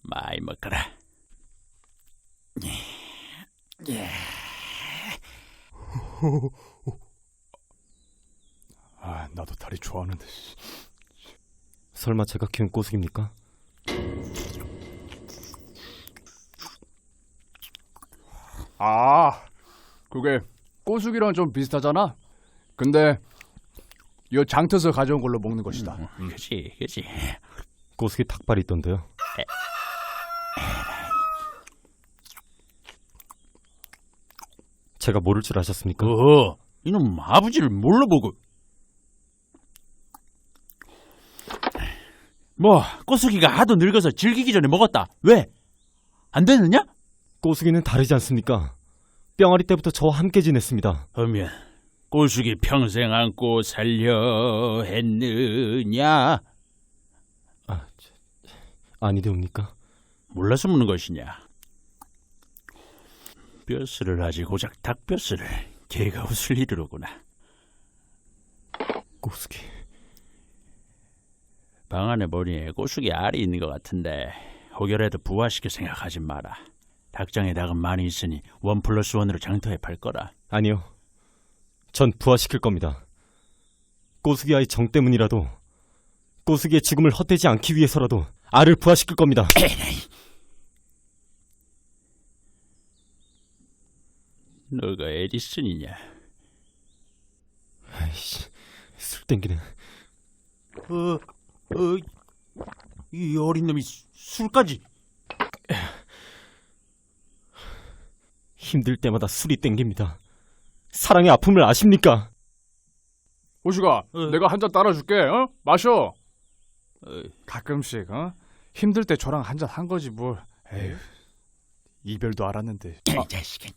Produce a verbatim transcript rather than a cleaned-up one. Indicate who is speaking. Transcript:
Speaker 1: 많이 먹거라. 예.
Speaker 2: 아, 나도 다리 좋아하는데.
Speaker 3: 설마 제가 키운 꼬숙입니까?
Speaker 2: 아, 그게 꼬숙이랑 좀 비슷하잖아. 근데 이 장터에서 가져온 걸로 먹는 것이다.
Speaker 1: 음, 그치, 그치.
Speaker 3: 꼬숙이 닭발이 있던데요. 제가 모를 줄 아셨습니까?
Speaker 1: 어허, 이놈 아버지를 몰라 보고. 뭐 꼬숙이가 하도 늙어서 즐기기 전에 먹었다. 왜? 안 되느냐?
Speaker 3: 꼬숙이는 다르지 않습니까? 뿅아리 때부터 저와 함께 지냈습니다.
Speaker 1: 하면 꼬숙이 평생 안고 살려 했느냐?
Speaker 3: 아, 저, 아니되옵니까?
Speaker 1: 몰라서 묻는 것이냐? 뼈스를 하지 고작 닭뼈스를 개가 웃을 일이로구나.
Speaker 3: 꼬숙이.
Speaker 1: 방 안에 보니 꼬숙이 알이 있는 것 같은데 혹여라도 부화시킬 생각하지 마라. 닭장에 닭은 많이 있으니 원 플러스 원으로 장터에 팔 거라.
Speaker 3: 아니요. 전 부화시킬 겁니다. 꼬숙이 아이 정 때문이라도 꼬숙이의 죽음을 헛되지 않기 위해서라도 알을 부화시킬 겁니다.
Speaker 1: 너가 에디슨이냐?
Speaker 3: 아이씨, 술 땡기네.
Speaker 1: 어, 어, 이 어린 놈이 수, 술까지.
Speaker 3: 힘들 때마다 술이 땡깁니다. 사랑의 아픔을 아십니까?
Speaker 2: 꼬숙아,
Speaker 1: 어.
Speaker 2: 내가 한 잔 따라줄게. 어? 마셔.
Speaker 1: 어,
Speaker 2: 가끔씩 어? 힘들 때 저랑 한 잔 한 거지 뭘. 에휴, 이별도 알았는데.
Speaker 1: 이 자식은.